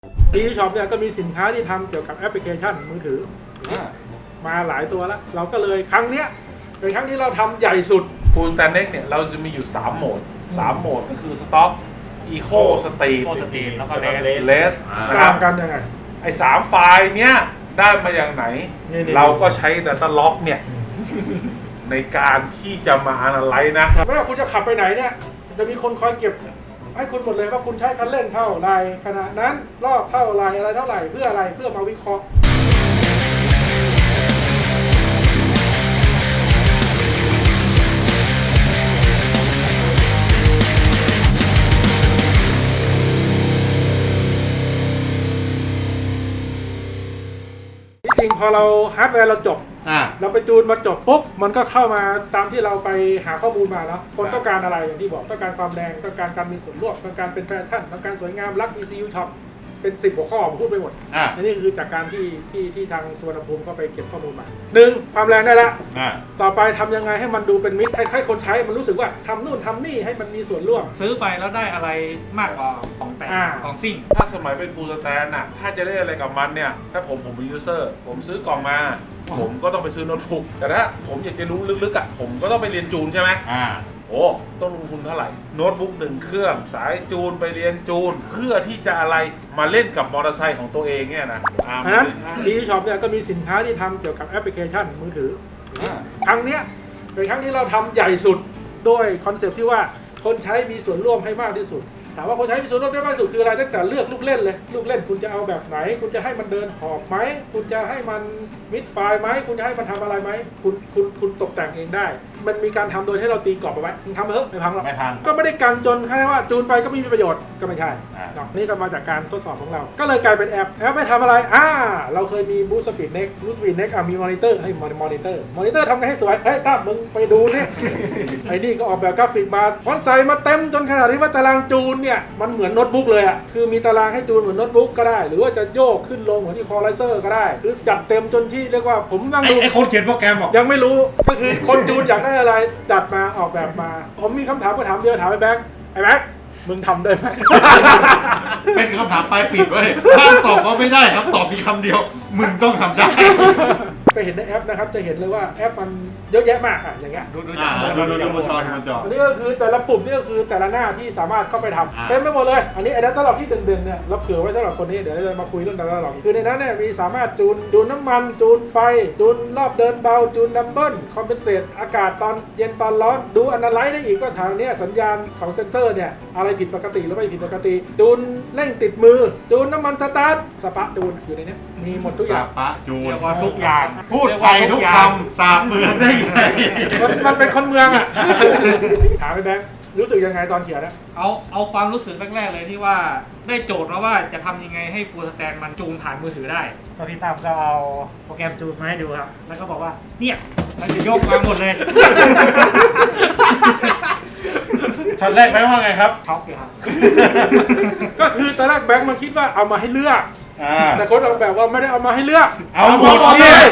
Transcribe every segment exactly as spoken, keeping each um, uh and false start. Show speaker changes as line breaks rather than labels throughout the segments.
ดีช็อปเนี่ยก็มีสินค้าที่ทำเกี่ยวกับแอปพลิเคชันมือถือมาหลายตัวแล้วเราก็เลยครั้งเนี้ยเป็นครั้งที่เราทำใหญ่สุด
ฟูลสแตนเน็กเนี่ยเราจะมีอยู่สามโหมดสามโหมดก็คือสต็อกอีโคสตรีม
สตรีมแล้วก็
เลส
ตามกันยังไง
ไอ้สามไฟล์เนี้ยได้มาอย่างไหนเราก็ใช้ Data Log เนี่ยในการที่จะมา analyze นะ
ไม่ว่าคุณจะขับไปไหนเนี่ยจะมีคนคอยเก็บให้คุณหมดเลยว่าคุณใช้คันเร่งเท่าไรขณะนั้นรอบเท่าไรอะไรเท่าไหร่เพื่ออะไรเพื่อมาวิเคราะห์จริงพอเราฮาร์ดแวร์เราจบเราไปจูนมาจบปุ๊บมันก็เข้ามาตามที่เราไปหาข้อมูลมาแล้วคนต้องการอะไรอย่างที่บอกต้องการความแรงต้องการการมีส่วนร่วมต้องการเป็นแฟชั่นต้องการสวยงามรัก อี ซี ยู ช็อปเป็นสิบหัวข้อผมพูดไปหมดอันนี้คือจากการที่ที่ที่ทางสุวรรณภูมิก็ไปเก็บข้อมูลมาหนึ่งความแรงได้ละต่อไปทำยังไงให้มันดูเป็นมิตรให้คนใช้มันรู้สึกว่าทำนู่นทำนี่ให้มันมีส่วนร่วม
ซื้อไปแล้วได้อะไรมากกว่าของแต่งของซิ่ง
ถ้าสมัยเป็นฟูลสแตนน่ะถ้าจะได้อะไรกับมันเนี่ยถ้าผมผมเป็นยูเซอร์ผมซื้อกล่องมาผมก็ต้องไปซื้อโน้ตบุ๊กแต่ถ้าผมอยากจะรู้ลึกๆอ่ะผมก็ต้องไปเรียนจูนใช่ไหมอ่าโอ้ต้องลงทุนเท่าไหร่โน้ตบุ๊กหนึ่งเครื่องสายจูนไปเรียนจูนเพื่อที่จะอะไรมาเล่นกับมอเตอร์ไซค์ของตัวเองเนี่ยนะ
เพราะฉะนั้นดีช็อปเนี่ยก็มีสินค้าที่ทำเกี่ยวกับแอปพลิเคชันมือถือครั้งเนี้ยเป็นครั้งที่เราทำใหญ่สุดโดยคอนเซปต์ที่ว่าคนใช้มีส่วนร่วมให้มากที่สุดถามว่าคนใช้มีส่วนร่วมได้มากที่สุดคืออะไรตั้งแต่เลือกลูกเล่นเลยลูกเล่นคุณจะเอาแบบไหนคุณจะให้มันเดินหอบไหมคุณจะให้มันมิดไฟล์ไหมคุณจะให้มันทำอะไรไหมคุณคุณคุณตกแต่งเองได้มันมีการทำโดยให้เราตีกรอบเอาไว้ทำไปเถอะไม่พังหรอก
ไม่พัง
ก็ไม่ได้กันจนแค่ว่าจูนไปก็ไม่มีประโยชน์ก็ไม่ใช่นี่ก็มาจากการทดสอบของเราก็เลยกลายเป็นแอปแอปไม่ทำอะไรอ่าเราเคยมีบูสต์สปีดเน็กบูสต์สปีดเน็กอ่ะมีมอนิเตอร์ให้มอนิเตอร์มอนิเตอร์ทำไงให้สวยเฮ้ยตั้มมึงไปดูนี่ไอ้นี่ก็ออกแบบกราฟิกมาวันใส่มาเต็มจนขนาดที่ว่าตารางจูนเนี่ยมันเหมือนโน้ตบุ๊กเลยอ่ะคือมีตารางให้จูนเหมือนโน้ตบุ๊กก็ได้หรือว่าจะโยกขึ้นลงเหมือนที่คอไลเซอร์ก็ได้คือจัดเต็มจนที่เรียกว่าผมนั่งดู
ไอ้คนเขียนโปรแกรมบอก
ยังไม่รู้ก็คือคนจูนอยากได้อะไรจัดมาออกแบบมาผมมีคำถามก็ถามเดียวถามไอ้แบ็คไอ้แบ็คมึงทำได้ไหม
เป็นคำถามปลายปิดไว้ถ้าตอบก็ไม่ได้ครับตอบมีคำเดียวมึงต้องทำได้
ไปเห็นในแอปนะครับจะเห็นเลยว่าแอปมันเยอะแยะมากอ่ะอย่างเงี้ย
ดูดูดูดูดูบนจอดูบนจอ
อันนี้ก็คือแต่ละปุ่มนี่ก็คือแต่ละหน้าที่สามารถเข้าไปทำเต็มไปหมดเลยอันนี้ไอ้ Data Log ที่เด่นๆเนี่ยเราเผื่อไว้สำหรับคนนี้เดี๋ยวเรามาคุยเรื่อง Data Log คือในนั้นเนี่ยมีสามารถจูนจูนน้ำมันจูนไฟจูนรอบเดินเบาจูนดัมเบิลคอมเพนเซตอากาศตอนเย็นตอนร้อนดูอนาไลซ์ได้อีกก็ทางนี้สัญญาณของเซ็นเซอร์เนี่ยอะไรผิดปกติหรือไม่ผิดปกติจูนเร่งติดมือจูนน้ำมันสตาร์ทสปาจูนอยู่ในนี้มีหมดทุกอย่าง
สปาจูน
ว่าทุกอย่าง
พูดไปทุกคำสาบเมืองได้ไง
มันเป็นคนเมืองอ่ะถามไปแบงค์รู้สึกยังไงตอนเขียนนะ
เอาเอาความรู้สึกแรกๆเลยที่ว่าได้โจทย์มาว่าจะทำยังไงให้ฟูลสแตนมันจูนผ่านมือถือได้ตอนพี่ตามก็เอาโปรแกรมจูนมาให้ดูครับแล้วก็บอกว่าเนี่ยมันจะยกมาหมดเลย
ช็อตแรกแบงค์ว่าไงครับ
ช็อกเลยครับ
ก็คือตอนแรกแบงค์มันคิดว่าเอามาให้เลือกแต่คนออกแบบว่าไม่ได้เอามาให้เลือก
เอาหมดเลย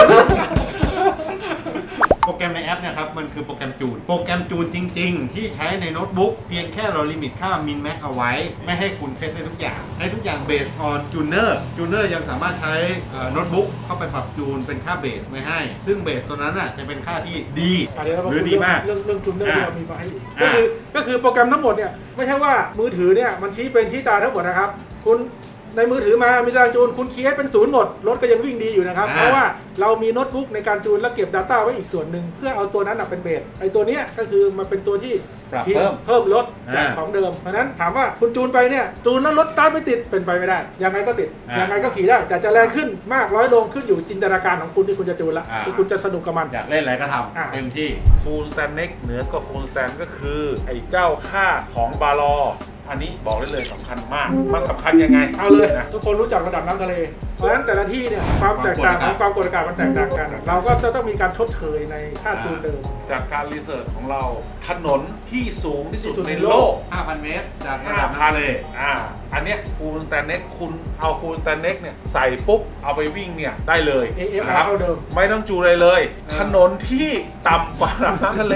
โปรแกรมในแอปเนี่ยครับมันคือโปรแกรมจูนโปรแกรมจูนจริงๆที่ใช้ในโน้ตบุ๊กเพียงแค่เราลิมิตค่ามินแม็กเอาไว้ไม่ให้คุณเซตได้ทุกอย่างให้ทุกอย่างเบสออนจูเนอร์จูเนอร์ยังสามารถใช้โน้ตบุ๊กเข้าไปปรับจูนเป็นค่าเบสไม่ให้ซึ่งเบสตัวนั้นอ่ะจะเป็นค่าที่ดีหรือดีมาก
เรื่องเรื่องจูเนอร์ที่เรามีมาให้ก็คือก็คือโปรแกรมทั้งหมดเนี่ยไม่ใช่ว่ามือถือเนี่ยมันชี้เป็นชี้ตาทั้งหมดนะครับคุณในมือถือมามีตารางจูนคุณเคียร์เป็นศูนย์หมดรถก็ยังวิ่งดีอยู่นะครับเพราะว่าเรามีโน้ตบุ๊กในการจูนแล้วเก็บ Data ไว้อีกส่วนหนึ่งเพื่อเอาตัวนั้นเป็นเบสไอตัวนี้ก็คือมันเป็นตัวที่
เพิ่ม
เพิ่มลดจากของเดิมเพราะนั้นถามว่าคุณจูนไปเนี่ยจูนแล้วรถสตาร์ทไม่ติดเป็นไปไม่ได้ยังไงก็ติดยังไงก็ขี่ได้แต่จะแรงขึ้นมากร้อยลงขึ้นอยู่จินตนาการของคุณที่คุณจะจูนละที่คุณจะสนุกกับมัน
อยากเล่นอะไรก็ทำเต็มที่
ฟูลสแตนเน็กเหนือกว่าฟูลสแตนก็คือไอ้เจ้าค่าของบาลออันนี้บอกได้เลยสำคัญมากมันสำคัญยังไง
เอาเลยนะทุกคนรู้จักระดับน้ำทะเลเพราะฉะนั้นแต่ละที่เนี่ยความแตกต่างของความกดอากาศมันแตกต่างกันเราก็จะต้องมีการชดเชยในค่าจูนเดิม
จากการรีเสิร์ชของเราถนนที่สูงที่สุดในโลก
ห้าพัน เมตรจากระ
ดั
บน้ำทะเล
อ่าอันเนี้ยฟูลสแตนเน็กคุณเอาฟูลสแตนเน็กเนี่ยใส่ปุ๊บเอาไปวิ่งเนี่ยได้เลย
นะครับ
ไม่ต้องจูนอะไรเลยถนนที่ต่ำกว่าระดับน้ำทะเล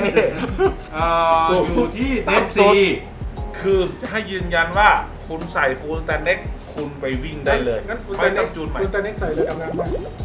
อยู่ที่เดดซี
คือจะให้ยืนยันว่าคุณใส่ฟูลสแตนเน็กคคุณไปวิ่งได้เลย
งั้นคุณ
ไม่ต้องจูนใหม่
คุณตาเน็กใส่เลยดำน้ำไป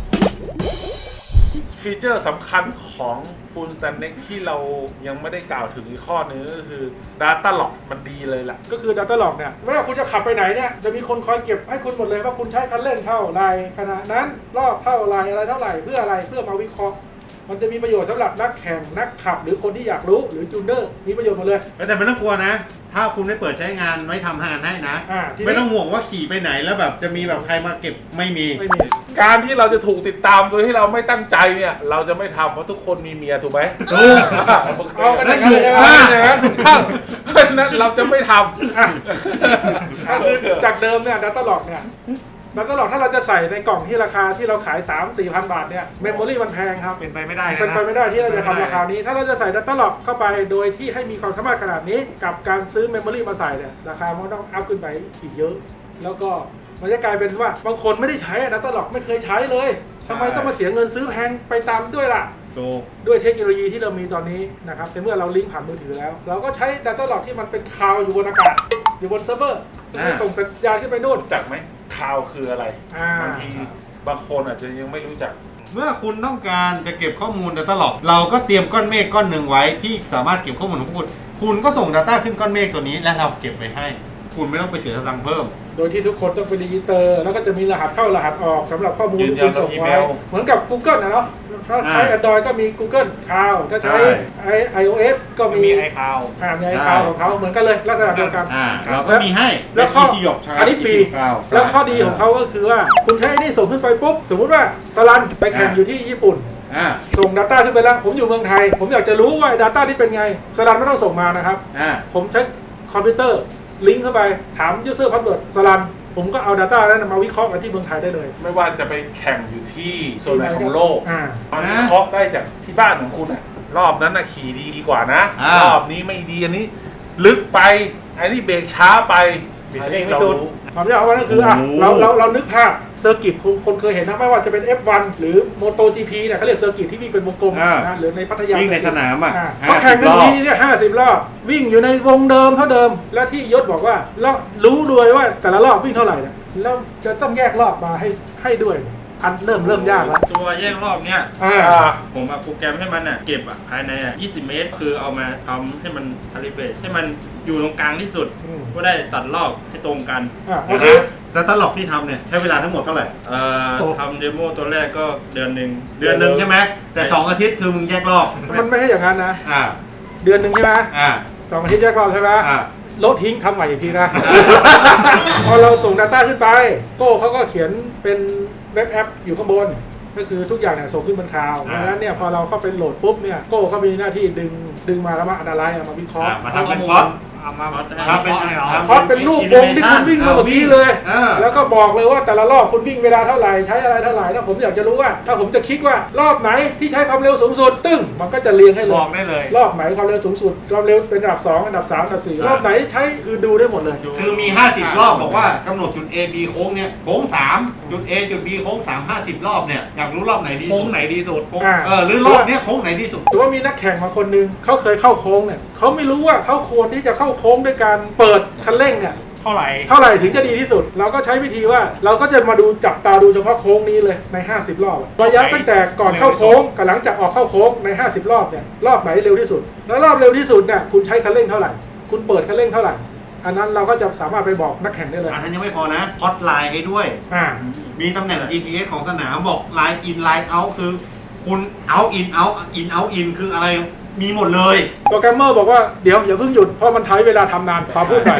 ฟีเจอร์สำคัญของ Full Stack Next ที่เรายังไม่ได้กล่าวถึงอีกข้อนึงก็คือ Data Log มันดีเลยล่ะ
ก็คือ Data Log เนี่ยไม่ว่าคุณจะขับไปไหนเนี่ยจะมีคนคอยเก็บให้คุณหมดเลยว่าคุณใช้คันเร่งเท่าไรขณะนั้นรอบเท่าไรอะไรเท่าไหร่เพื่ออะไรเพื่อมาวิเคราะห์มันจะมีประโยชน์สำหรับนักแข่งนักขับหรือคนที่อยากรู้หรือจูนเนอร์มีประโยชน์หมดเลย
แต่ไม่ต้องกลัวนะ ถ้าคุณไม่เปิดใช้งานไว้ทำงานให้นะ
อ่าทีนี้
ไม่ต้องห่วงว่าขี่ไปไหนแล้วแบบจะมีแบบใครมาเก็บไม่มี
ไม่มี
การที่เราจะถูกติดตามโดยที่เราไม่ตั้งใจเนี่ยเราจะไม่ทำเพราะทุกคนมีเมียถูกไหม
ถูก
เอากันอย่างนั้นเลยใช่ไหม
อ่าอย่างนั้นถูกต้องเพราะฉะนั้นเราจะไม่ท
อ่ะ
ำ
ก็คือจากเดิมเนี่ย Data Log เนี่ย Data Log ถ้าเราจะใส่ในกล่องที่ราคาที่เราขาย สามถึงสี่พัน บาทเนี่ยเมมโมรีมันแพงครับ
เป็นไปไม่ได้เลย
เป็น
นะ
ไปไม่ได้ที่เราจะทำราคานี้ ถ้าเราจะใส่ Data Log เข้าไปโดยที่ให้มีความสามารถขนาดนี้กับการซื้อเมมโมรีมาใส่เนี่ยราคามันต้องอัพขึ้นไปอีกเยอะ แล้วก็มันจะกลายเป็นว่าบางคนไม่ได้ใช้ Data Log ไม่เคยใช้เลยทำไมต้องมาเสียเงินซื้อแพงไปตามด้วยล่ะ
ถูก
ด้วยเทคโนโลยีที่เรามีตอนนี้นะครับแต่เมื่อเราลิงก์ผ่านมือถือแล้ว เราก็ใช้ Data Log ที่มันเป็นคลาวด์อยู่บนอากาศ อยู่บนเซิร์ฟเวอร์
อ่า
ส่งสัญญาณขึ้นไปนู่น
รู้จักไหมข่าวคืออะไร
อ่า
บางทีบางคนอาจจะยังไม่รู้จัก
เมื่อคุณต้องการจะเก็บข้อมูล Data Log เราก็เตรียมก้อนเมฆก้อนหนึ่งไว้ที่สามารถเก็บข้อมูลของคุณคุณก็ส่ง Data ขึ้นก้อนเมฆตัวนี้และเราเก็บไว้ให้ คุณไม่ต้องไปเสียสตังค์เพิ่ม
โดยที่ทุกคนต้องไปรีจิสเตอร์ แล้วก็จะมีรหัสเข้ารหัสออกสำหรับข้อมูล
ยืน
ที่
ยั
คุ
น
ณส่ง
อี
ไว้
เมล
เหมือนกับ Google นะเนาะถ้าใช้
อ่า
Android ก็มี Google Cloud ถ้าใช้
ใช่
ไอ iOS ก็
ก็
มี
มีไอคาว
อ่ามี iCloud ของเขาเหมือนกันเลยลักษณะเดียวกัน
อ่าเราก็มีให้
แล้วข้อ
เป็น Easy หยกใช่
อันนี้ฟรี
Easy Cloud
แล้วข้อดีของเขาก็คือว่าคุณใช้นี่ส่งขึ้นไปปุ๊บ สมมุติว่าสลันไปแข่งอยู่ที่ญี่ปุ่น
อ่า
ส่ง Data ขึ้นไปแล้ว ผมอยู่เมืองไทย ผมอยากจะรู้ว่า Data ที่เป็นไงสลันไม่ต้องส่งมานะครับ
อ่า
ผมใช้คอมพิวเตอร์ลิงก์เข้าไปถาม user password สลันผมก็เอา Data นั้นมาวิเคราะห์กันที่เมืองไทยได้เลย
ไม่ว่าจะไปแข่งอยู่ที่โซนไหนของโลก
อ่า
มันวิเคราะห์ได้จากที่บ้านของคุณอะรอบนั้นนะขี่ดีดีกว่านะ
อ่าร ร
อบนี้ไม่ดีอันนี้ ลึกไปอันนี้เบรกช้าไป
เบรก
อัน
เอ
นี้
งไม่
เรา
สุด
รู้
ความยากของมันก็คืออ่ะ
โอ้โห
เราเราเรานึกภาพเซอร์กิตคนคนเคยเห็นนะไม่ว่าจะเป็น เอฟ วัน หรือ MotoGP เนี่ยเขาเรียกเซอร์กิตที่วิ่งเป็นวงกลม
อ่าน
นะหรือในพัทยา
วิ่งในสนามอ่ะ
อ่า
ห้า
เขา
สิ
แข่ง
บ
กัน
รอบ
ทีเนี่ยห้าสิบรอบวิ่งอยู่ในวงเดิมเท่าเดิม และที่ยศบอกว่าแล้วรู้ด้วยว่าแต่ละรอบวิ่งเท่าไหร่เนี่ยแล้วจะต้องแยกรอบมาให้ให้ด้วยอันเริ่มเริ่มยากแล้ว
ตัวแยกรอบเนี้ย
อ่า
อ่า
ผมเอาโปรแกรมให้มันอ่ะเก็บอ่ะภายในอ่ะยี่สิบเมตร คือเอามาทำให้มันคาลิเบรตให้มันอยู่ตรงกลางที่สุด
อืม
ก็ได้ตัดรอบให้ตรงกัน
อ่าโอ
นะ
เค
Data Log ที่ทำเนี่ยใช้เวลาทั้งหมดเท่าไหร่
เอ่อ
โอ้
ทำเดโมตัวแรกก็เดือนหนึ่ง
เดือนหนึ่งใช่ไหมแต่สองอาทิตย์คือมึงแยกรอบ
มันไม่ใช่อย่างนั้นนะ
อ่า
เดือนหนึ่งใช่ไหม
อ่า
สองอาทิตย์แยกรอบใช่ไหม
อ่า
ลบทิ้งทำใหม่อีกทีนะ พอเราส่ง Data ขึ้นไปโก้เขาก็เขียนเป็นเว็บแอปอยู่ข้างบน ก็คือทุกอย่างเนี่ยส่งขึ้นบนคลาวด์
อ่า
ดังนั้นเนี่ยพอเราเข้าไปโหลดปุ๊บเนี่ยโก้เขามีหน้าที่ดึงดึงมาแล้วมาอนาลัยมาวิเคราะห์
อ่ามาทำเป็นพล็อต
เอามา
ทำเป็น
ให้เรา
ทำ
พล็อตเป็นรูปวงที่คุณวิ่งมาเมื่อกี้เลย
อ่า
แล้วก็บอกเลยว่าแต่ละรอบคุณวิ่งเวลาเท่าไหร่ใช้อะไรเท่าไหร่ถ้าผมอยากจะรู้ว่า ถ้าผมจะคลิกว่ารอบไหนที่ใช้ความเร็วสูงสุดตึ้งมันก็จะเรียงให้เล
บ
ย
อกได้เลย
รอบไหนความเร็วสูงสุดความเร็วเป็นอันดับสองอันดับสามอันดับสี่รอบไหนใช้คือดูได้หมดเลย
คือมี ห้าสิบ รอบบอกว่ากำหนดจุด A B โค้งเนี่ยโค้งสามจุด A จุด B โค้งสาม ห้าสิบ รอบเนี่ยอยากรู้รอบไหนดี
โค้
สุ
ง
ด
ไหนดีสุดโค้ง
อ่า
เออหรือรอบเนี้ยโค้งไหนดีสุด
ถือว่ามีนักแข่งมาคนหนึงเขาเคยเข้าโค้งเนี่ยเขาไม่รู้ว่าเขาควรที่จะเข้าโค้งด้วยการเปิดคันเร่งเนี่ย
เท่าไหร่
เท่าไหร่ถึงจะดีที่สุด เราก็ใช้วิธีว่าเราก็จะมาดูจับตาดูเฉพาะโค้งนี้เลยในห้าสิบรอบอะระยะตั้งแต่ก่อนเข้าโค้งกับหลังจากออกเข้าโค้งในห้าสิบรอบเนี่ยรอบไหนเร็วที่สุด แล้วรอบเร็วที่สุดเนี่ยคุณใช้คันเร่งเท่าไหร่คุณเปิดคันเร่งเท่าไหร่อันนั้นเราก็จะสามารถไปบอกนักแข่งได้เลย
อันนั้นยังไม่พอนะพอดไลน์ให้ด้วย
อ่า
มีตำแหน่ง จี พี เอส ของสนามบอกไลน์อินไลน์เอาคือคุณเอาอินเอาอินเอาอินคืออะไรมีหมดเลย
โปรแกรมเมอร์บอกว่าเดี๋ยวอย่าเพิ่งหยุดเพราะมันใช้เวลาทำนานขอพูดหน่อย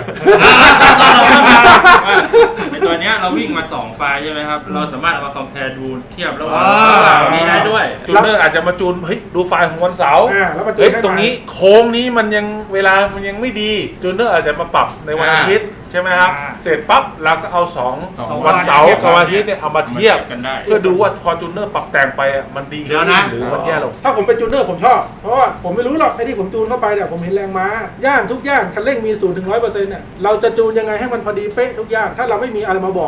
ในตัวเนี้ยเราวิ่งมาสองไฟล์ใช่ไหมครับ เราสามารถเอามาคอมเพลดูเทียบระหว่าง
อ่า
นี้ได้ด้วย
จูนเนอร์อาจจะมาจูนเฮ้ยดูไฟล์ของวันเสาร์
อ่าแล้วมาจูน
เฮ้ย
ให้
ตรงนี้โค้งนี้มันยังเวลามันยังไม่ดีจูนเนอร์อาจจะมาปรับในวันอาทิตย์ใช่ไหมครับ
อ่า
เสร็จปั๊บเราก็เอาสอง
สอง
วันเสาร์
วัน
กับวันอาทิตย์เนี่ยเอามาเทียบ
กันได้
เพื่อดูว่าพอจูนเนอร์ปรับแต่งไปอ่ะมันดี
เดี๋ยวนะ
หรือมันแย่ลง
ถ้าผมเป็นจูนเนอร์ผมชอบ เพราะว่าผมไม่รู้หรอกไอ้ที่ผมจูนเข้าไปเนี่ยผมเห็นแรงม้า ย่างทุกย่างคันเร่งมีศูนย์ถึงร้อยเปอร์เซ็นต์เนี่ยเราจะจูนยังไงให้มันพอดีเป๊ะทุกย่าง ถ้าเราไม่มีอะไรมาบอกว่า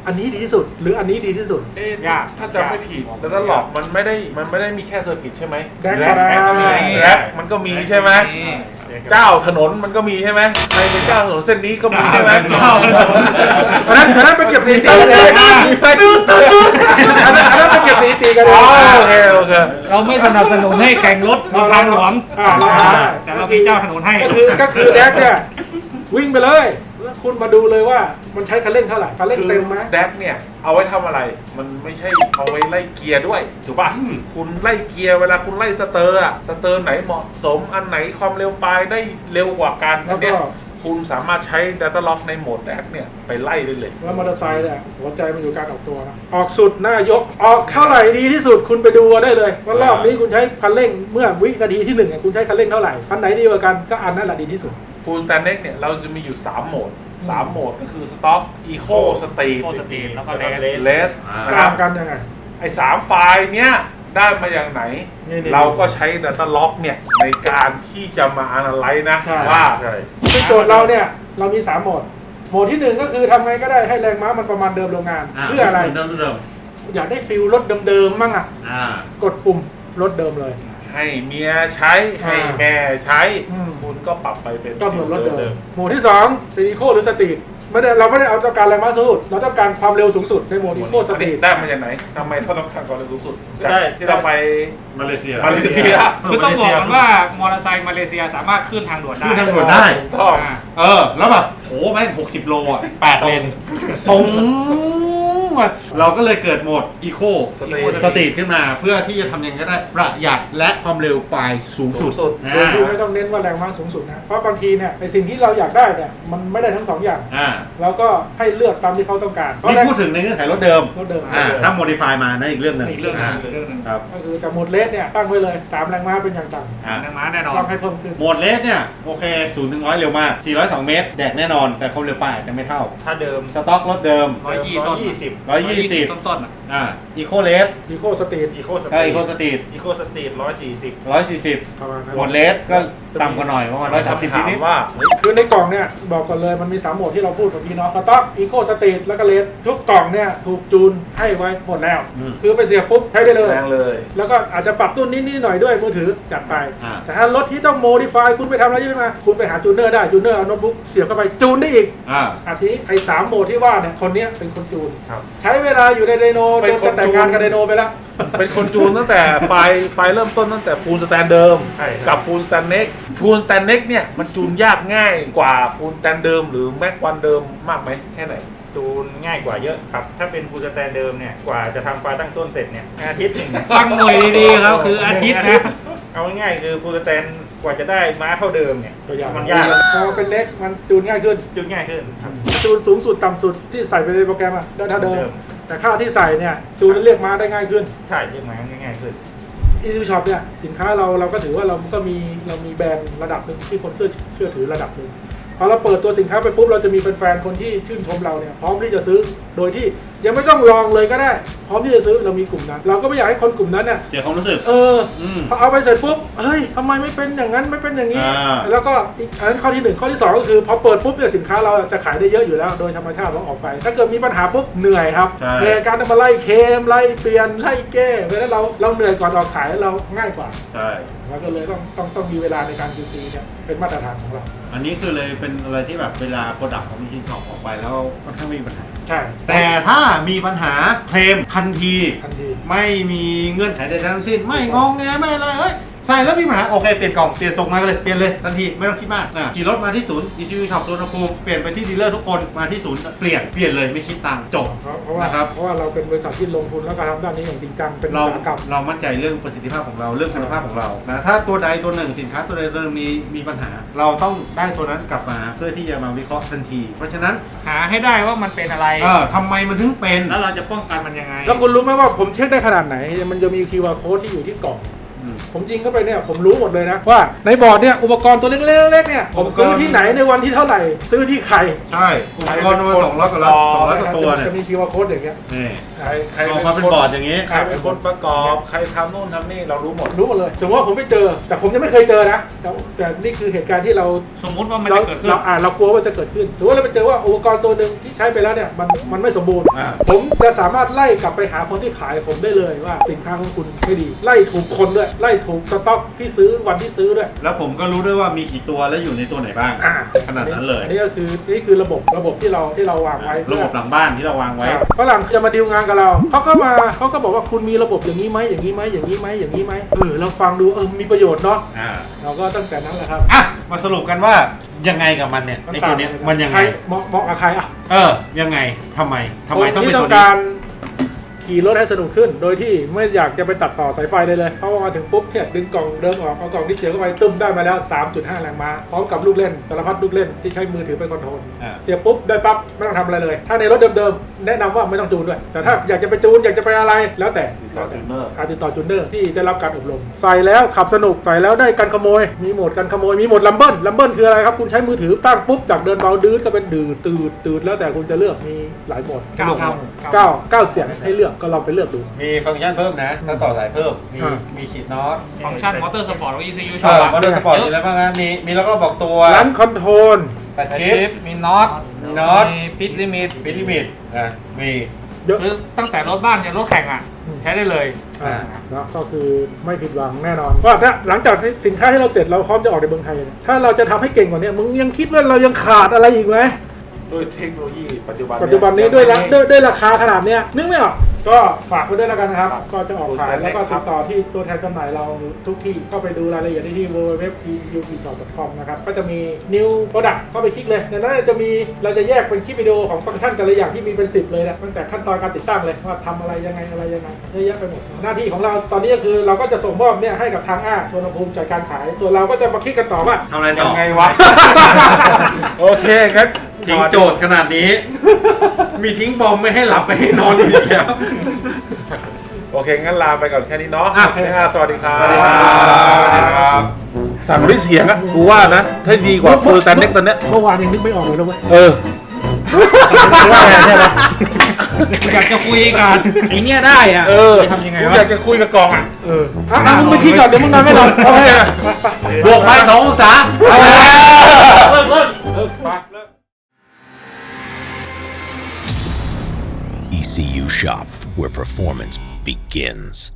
อันนี้ดีที่สุด หรืออันนี้ดีที่สุด
เอ๊ะ
ยาก
ถ้าจำไม่ผิดแต่ถ้าหลอกมันไม่ได้มันไม่ได้มีแค่เซอร์กิตใช่ไหม
แดก
แร
ก็ได้
แรปมันก็มีใช่ไหมเจ้าถนนมันก็มีใช่ไหมใครเป็นเจ้าถนนเส้นนี้ก็มีใช่ไหม
เจ้าถนน
อันนั้นอันนั้นไปเก็บสถิติกันเลยอันนั้นอันนั้นไปเก็บสถิติกันเล
อ๋อย โอเคโอเค
เราไม่สนับสนุนให้แข่งรถบนทางหลวง
อ่าเราได้
แต่เรามีเจ้าถนนให้
ก็คือก็คือแดกเนี่ยวิ่งไปเลยแล้วคุณมาดูเลยว่ามันใช้คันเร่งเท่าไหร่คันเร่ง
คือ
เต็มไหม
แดกเนี่ยเอาไว้ทำอะไร มันไม่ใช่เอาไว้ไล่เกียร์ด้วยถูกป่ะคุณไล่เกียร์เวลาคุณไล่สเตอร์อะสเตอร์ไหนเหมาะสมอันไหนความเร็วปลายได้เร็วกว่ากัน
แล้วก็
เนี่ยคุณสามารถใช้ Data Lock ในโหมดแดกเนี่ยไปไล่ได้เลย
แล้วมอเตอร์ไซค์เนี่ยหัวใจมันอยู่การออกตัวนะออกสุดหน้ายกออกเท่าไหร่ดีที่สุดคุณไปดูได้เลยว่ารอบนี้คุณใช้คันเร่งเมื่อวินาทีที่หนึ่งเนี่ยคุณใช้คันเร่งเท่าไหร่คันไหนดีกว่ากันก็อันนั้นแหละดีที่สุด
Full Stack Next เนี่ยเราจะมีอยู่สามโหมดสามโหมดก็คือ Stock Eco Street
Eco Street แล้วก็
Race นะค
ต่า
รับ
งกันยังไง
ไอ้สามไฟล์เนี้ยได้มาอย่างไหน
นี่ๆ
เราก็ใช้ Data Lock เนี่ยในการที่จะมา analyze นะ
ใช่
ว่า
ซึ่งโจทย์เราเนี่ยเรามีสามโหมดโหมดที่หนึ่งก็คือทำไงก็ได้ให้แรงม้ามันประมาณเดิมโรงงาน เพื่ออะไร
เดิมเดิม
อยากได้ฟิลรถเดิมๆมั่งอ่ะ
อ่าก
ดปุ่มรถเดิมเลย
ให้เมียใช้ให้แม่ใช้
อืม
คุณก็ปรับไปเป็น
ก็เหมือนรถเดิมโหมดที่สองเป็นอีโคหรือสตรีทไม่ได้เราไม่ได้เอาต้องการแรงม้าสูงสุดเราต้องการความเร็วสูงสุดในโหมดอีโคส
อัน
ตรี
นี้
ท
ได้มาจากไหนทำไมเราต้องการความเร็วสูงสุดจาก
ได้
ที่เราไป
มาเลเซีย
มาเลเซีย
คือต้องบอกก่อนว่ามอเตอร์ไซค์มาเลเซียสามารถขึ้นทางด่วนได้
ขึ้นทางด่วนได้
ถูกต้อง
อ่า
เออ แล้วแบบโหแม่งหกสิบโลอ่ะแปดเลนตรงอ่ะเราก็เลยเกิดโหมดอีโค
Street
สตรีทขึ้นมาเพื่อที่จะทำยังไงก็ได้ประหยัดและความเร็วปลายสูงสุด
สูงสุด
อ่า
โดยที่ไม่ต้องเน้นว่าแรงม้าสูงสุดนะเพราะบางทีเนี่ยไอสิ่งที่เราอยากได้เนี่ยมันไม่ได้ทั้งสองอย่าง
อ่า
เราก็ให้เลือกตามที่เขาต้องการเพราะ
นี่
แรง
พูดถึงในเงื่อนไขรถเดิม
รถเดิม
อ่าถ้าโมดิฟายมานั่นอีกเรื่องหนึ่ง
อีกเรื่องหนึง
า
อีกเรื่องหนึง
ครับ
ก็คือจากโหมดเลสเนี่ยตั้งไว้เลยสามแรงม้าเป็นอย่างต่ำ
อ่า
แรงม้าแน่นอน
ต้องให้เพิ่มขึ้น
โหมดเลสเนี่ย โอเคศูนย์ถึงร้อยเร็วมากสี่ร้อยสองเมตร แดกแน่นอน แต่ความเร็วปลายอาจจะไม่เท่า
ถ้าเดิม
สต็อกรถเดิม
ร้อยยี่ต้น
ยี่สิบ
ร้อยยี่สิบ
ต้นต้นๆอ่ะ
อ่าอีโคเลส
อีโคสตรีท
อีโคสต
ถ้า
รี
อีโค
ท
สตรีท
อีโคสตรีทร้อยสี่สิบ
ร้อยสี่สิบ
ประมาณนั้น
โหมดเลสก็ต่ำกว่าหน่อยประมาณร้อยสามสิบ
ถาม
นิด
ว่า
คือในกล่องเนี่ยบอกก่อนเลยมันมีสามโหมดที่เราพูดเมื่อกี้เนาะสต็อกอีโคสตรีทแล้วก็เลสทุกกล่องเนี่ยถูกจูนให้ไว้หมดแล้ว คือไปเสียบปุ๊บใช้ได้เลย
แรงเลย
แล้วก็อาจจะปรับตุ้นนิดๆหน่อยด้วยมือถือจัดไป
อ่า
แต่ถ้ารถที่ต้องโมดิฟายคุณไปทำอะไรขึ้นมา คุณไปหาจูนเนอร์ได้จูนเนอร์เอาโน้ตบุ๊กเสียบเข้าไปจูนได้อีก
อ่า
อาทีนี้ไอ้สามโหมดที่ว่าเนี่ยคนเนี้ยเป็นคนจูน
ครับ
ใช้เวลาอยู่ในไดโน
เป็
จ
น
น
คน
จะแต่งงานกับไดโนไปแล้ว
เป็นคนจูนตั้งแต่ไฟล์ไฟล์เริ่มต้นตั้งแต่ Full Stack เดิม
ใช่ครับ
กับ Full Stack Next Full Stack Next เนี่ยมันจูนยากง่ายกว่า Full Stack เดิมหรือ Mac วันเดิมมากไหมแค่ไหน
จูนง่ายกว่าเยอะครับ ถ้าเป็นฟูลสแตนเดิมเนี่ย กว่าจะทำไฟล์ตั้งต้นเสร็จเนี่ยอาทิตย์หนึ่ง
ฟังหน่วยดีๆครับคืออาทิตย์นะ
เอาง่ายๆคือฟูลสแตนกว่าจะได้ม้าเท่าเดิมเนี่ย
ตัวอย่าง
มันยาก
พอเป็นเล็กมันจูนง่ายขึ้น
จูนง่ายขึ้นครับ
จูนสูงสุดต่ำสุดที่ใส่ไปในโปรแกรมอะได้เท่าเดิ
เดิ
ม
ม
แต่ค่าที่ใส่เนี่ยจูนแล้วเรียกมาได้ง่ายขึ้น
ใช่เรียกม้าง่ายๆขึ้น
อีซูช็อปเนี่ยสินค้าเราเราก็ถือว่าเราก็มีเรามีแบรนด์ระดับหนึ่งที่คนเชื่อเชื่อถือระดับหนึ่งพอเราเปิดตัวสินค้าไปปุ๊บเราจะมีแฟนๆคนที่ชื่นชมเราเนี่ยพร้อมที่จะซื้อโดยที่ยังไม่ต้องลองเลยก็ได้ พร้อมที่จะซื้อเรามีกลุ่มนั้น เราก็ไม่อยากให้คนกลุ่มนั้นเนี่ย
เจอความรู้สึก
เออ
อืม
พอเอาไปเสร็จปุ๊บเฮ้ยทำไมไม่เป็นอย่างนั้นไม่เป็นอย่างนี้
อ่า
แล้วก็อีกอันนั้นข้อที่หนึ่งข้อที่สองก็คือพอเปิดปุ๊บเนี่ยสินค้าเราจะขายได้เยอะอยู่แล้ว โดยธรรมชาติเราออกไป ถ้าเกิดมีปัญหาปุ๊บเหนื่อยครับ
ใช่
ในการจะมาไล่เคมไล่เปลี่ยนไล่แก้เพราะฉะนั้นเราเราเหนื่อยก่อนออกขายเราง่ายกว่า
ใช่
เราก็เลยต้องต้องต้องมีเวลาในการ คิว ซี เนี่ยเป็นมาตรฐานของเรา
อันนี้คือเลยเป็นอะไรที่แบบเวลาโปรดักต์ของมิชินช็อปออกไปแล้วค่อนข้างไม่มีปัญหา
ใช่
แต่ถ้ามีปัญหาเคลมทันที
ทันที
ไม่มีเงื่อนไขใดๆทั้งสิ้น ไม่งองแงไม่อะไรเอ้ยใส่แล้วมีปัญหาโอเคเปลี่ยนกล่องเปลี่ยนส่งมากันเลยเปลี่ยนเลยทันทีไม่ต้องคิดมากนะขี่รถมาที่ศูนย์อีซีวีช็อปโซนภูมิเปลี่ยนไปที่ดีลเลอร์ทุกคนมาที่ศูนย์เปลี่ยนเปลี่ยนเลยไม่คิดตังค์จบ
เพราะเพราะว่า
นะครับ
เพราะว่าเราเป็นบริษัทที่ลงทุนแล้วก็ทำด้านนี้อย่างจริงจังเป็นอุ
เรา
ตสาหกรรม
เรามั่นใจเรื่องประสิทธิภาพของเราเรื่องคุณภาพของเรานะถ้าตัวใดตัวหนึ่งสินค้าตัวใดตัวหนึ่งมีมีปัญหา เราต้องได้ตัวนั้นกลับมาเพื่อที่จะมาวิเคราะห์ทันที เพราะฉะนั้น
หาให้ได้ว่ามันเป็นอะไร
เออทำไมมันถึงเป็น
แล้วเราจะป้องกันมันยังไง
แล้วคุณรู้ไหมว่าผมเช็คได้ขนาดไหน มันจะมี คิว อาร์ code ที่อยู่ที่กล่อง
อืม
ผมยิงเข้าไปเนี่ยผมรู้หมดเลยนะว่าในบอร์ดเนี่ยอุปกรณ์ตัวเล็กๆเนี่ยผมซื้อที่ไหนในวันที่เท่าไหร่ซื้อที่ใคร
ใช่อุปกรณ์ประมาณสองร้อยกว่าล้านสองร้อยกว่าตัวเนี่ย
จะมี คิว อาร์ code อย่างเงี้ย
นี่
ใครใคร
ออกมาเป็นบอร์ดอย่างนี้
ใครเป็นคนประกอบใครทำนู่นทำนี่เรารู้หมด
รู้หมดเลยสมมติว่าผมไม่เจอ แต่ผมยังไม่เคยเจอนะแต่แต่นี่คือเหตุการณ์ที่เรา
สมมุติว่ามัน
เรา
จะเกิดขึ้น
เราอ่านเรากลัวว่าจะเกิดขึ้นสมมติว่าเราไปเจอว่าอุปกรณ์ตัวหนึ่งที่ใช้ไปแล้วเนี่ยมันมันไม่สมบูรณ์
อ่า
ผมจะสามารถไล่กลับไปหาคนที่ขายผมได้เลยว่าสินค้าของคุณไม่ดีไล่ถูกคนด้วยไล่ถูกสต็อกที่ซื้อวันที่ซื้อด้วย
แล้วผมก็รู้ด้วยว่ามีกี่ตัวและอยู่ในตัวไหนบ้าง
อ่า
ขนาดนั้นเลย
อันนี้ก็คือนี่คือระบบระบบที่เราที่เราวางไว้
ระบบหลังบ้านที่เราวางไว้
ฝรั่งจะมาดีลงานกับเราเขาก็มาเขาก็บอกว่าคุณมีระบบอย่างนี้ไหมอย่างนี้ไหมอย่างนี้ไหมอย่างนี้ไหมเออเราฟังดูเออมีประโยชน์เนาะ
อ่า
เราก็ตั้งแต่นั้นแหละครับ
อ่ะมาสรุปกันว่ายังไงกับมันเนี่ยไอตัวเนี้ยมันยัง
ใค
ไง
รเหมาะเหมาะกับใครอ่ะ
เออยังไงทำไมทำไมต้อง
คน
เป็น
ที่
ตั
ต้
ว
อง
นี้
การขี่รถให้สนุกขึ้น โดยที่ไม่อยากจะไปตัดต่อสายไฟเลยเลยเพราะว่ามาถึงปุ๊บเนี่ยดึงกล่องเดิมออกเอากล่องที่เสียบเข้าไปตึ้มได้มาแล้ว สามจุดห้า แรงม้าพร้อมกับลูกเล่นสารพัดลูกเล่นที่ใช้มือถือเป็นคอนโทรล
อ่า
เสียบปุ๊บได้ปั๊บไม่ต้องทำอะไรเลย ถ้าในรถเดิมๆแนะนำว่าไม่ต้องจูนด้วย แต่ถ้าอยากจะไปจูนอยากจะไปอะไรแล้วแต่
ติดต่อจูเนอร์
อาติดต่อจูนเนอร์ที่ได้รับการอบรมใส่แล้วขับสนุกใส่แล้วได้การขโมย มีโหมดการขโมยมีโหมดลัมเบิลลัมเบิลคืออะไรครับคุณใช้มือถือตั้งปุ๊บจากเดินเบาดื้อก็เป็นดืดตืดตืดแล้วแต่คุณจะเลือกมีหลายโหมด
เก้าครับ
เก้าเก้าเสียงให้เลือกก็ลองไปเลือกดู
มีฟังก์ชันเพิ่มนะถ้าต่อสายเพิ่มมี
อ่า
มีขีดน็อต
ฟังก์ชันมอเตอร์สปอร์ตของ อี ซี ยู
เอ
ชอบ
อมาด้วยสปอร์ตมีอะไรบ้างนะมีมีแล้วก็บอกตัว
รันคอนโทรล
แปด
ชิ
ชิป
ปมีน็อต
มีน็อต
มีปิดลิมิต
ปิดลิมิตอ่ะมี
เยอะ
คือตั้งแต่รถบ้านยันรถแข่งอ่ะ
อืม
ใช้ได้เลย
อ่าเนาะก็คือไม่ผิดหวังแน่นอนว่าถ้าหลังจากที่สินค้าที่เราเสร็จเราพร้อมจะออกในเมืองไทยเนี่ยถ้าเราจะทำให้เก่งกว่านี้มึงยังคิดว่าเรายังขาดอะไรอีกไหม
ด้วยเทคโนโลยีปัจจุบัน
ปัจจุบันนี้ด้วยราด้วยด้วยราคาขนาดเนี้ยนึกไม่ออกก็ฝากไว้ด้วยแล้วกันนะครับ ก็จะออกขายแล้วก็ติดต่อที่ตัวแทนจำหน่ายเราทุกที่เข้าไปดูรายละเอียดได้ที่ ดับเบิลยู ดับเบิลยู ดับเบิลยู ดอท อี ซี ยู พี ดอท คอม นะครับก็จะมี new product เข้าไปคลิกเลยในนั้นจะมีเราจะแยกเป็นคลิปวิดีโอของฟังก์ชันแต่ละอย่างที่มีเป็นสิบเลยนะตั้งแต่ขั้นตอนการติดตั้งเลยว่าทำอะไรยังไงอะไรยังไงเยอะแยะไปหมดหน้าที่ของเราตอนนี้ก็คือเราก็จะส่งมอบเนี่ยให้กับทางอ้าส่วนภูมิจัดการขาย ส่วนเราก็จะมาคลิกกันต่อว่า
ทำอะไรต่
ยั
อง
ไงวะ โอเคงั้น
จริงโจทย์ขนาดนี้ มีทิ้งบอมไม่ให้หลับไม่ให้นอนอีกแล้ว
โอเคงั้นลาไปก่อนแค่นี้เนาะ
อ่ะ
นะครับสวัสดีครับ
สวัสดีครับ
สั่งด้วยเสียงอะกูว่านะถ้าดีกว่าฟูลสแตนเน็กตอนเนี้ย
เมื่อวานยังนึกไม่ออกเลยนะเว้ย
เออว่าไงเนี่ยนะ
อยากจะคุยกันไอเนี้ยได้อ่ะ
เออ
จะทำยังไง
กู
วะ
อยากจะคุยกับกองอ่ะ
เอออ่ะอ่ะมึงไปคิดก่อนเดี๋ยวมึงนอนไม่หลับโอเคไปไป
บวกไปสององศา
เริ่มเริ่ม
E C U Shop, where performance begins.